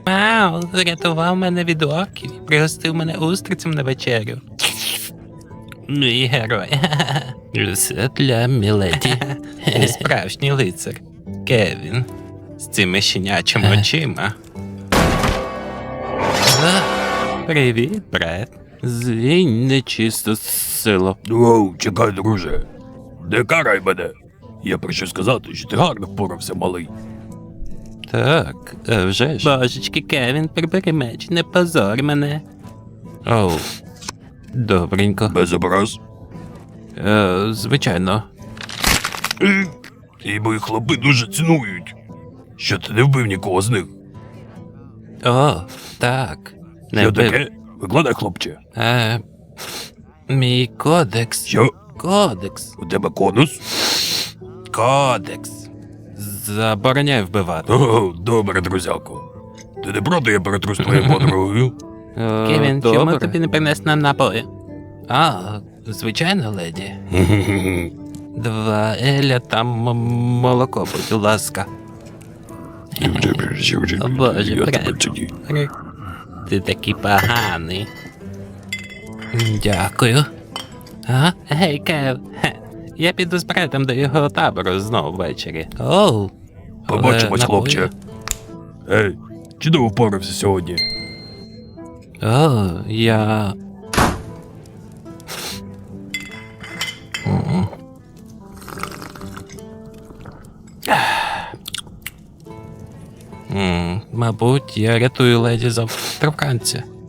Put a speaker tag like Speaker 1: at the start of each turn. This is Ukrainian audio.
Speaker 1: Вау, врятував мене від орків, пригостив мене устрицем на вечерю. Мій герой. Все для міледі. І справжній лицар. Кевін. З цими щенячими очима. Привіт, брат. Звінь нечисто сило.
Speaker 2: Воу, чекай, друже. Не карай мене. Я прийшов сказати, що ти гарно впорався, малий.
Speaker 1: Так, а вже ж. Божечки, Кевін, прибери меч, не позор мене. Оу, добренько.
Speaker 2: Без образ.
Speaker 1: Звичайно.
Speaker 2: І мої хлопи дуже цінують. Що ти не вбив нікого з них?
Speaker 1: О, так. Не
Speaker 2: Що
Speaker 1: вбив.
Speaker 2: таке? Викладай, хлопче.
Speaker 1: Мій кодекс.
Speaker 2: Що?
Speaker 1: Кодекс.
Speaker 2: У тебе конус?
Speaker 1: Кодекс. Забороняю вбивати.
Speaker 2: О, добре, друзяко. Ти не проти, я перетру з твоєю подругою?
Speaker 1: Кевін, чому тобі не принести нам напої? А, звичайно, леді. 2 еля та молоко, будь ласка. О, Боже,
Speaker 2: Я тебе
Speaker 1: брат.
Speaker 2: ціную.
Speaker 1: Ти такий поганий. Дякую. А? Гей, Кев. Хе. Я піду з братом до його табору знову ввечері. Оу.
Speaker 2: Побачимось,
Speaker 1: Напої?
Speaker 2: хлопче. Ей, чудово впорався сьогодні.
Speaker 1: О, я... Мабуть, я рятую леді завтра вранці.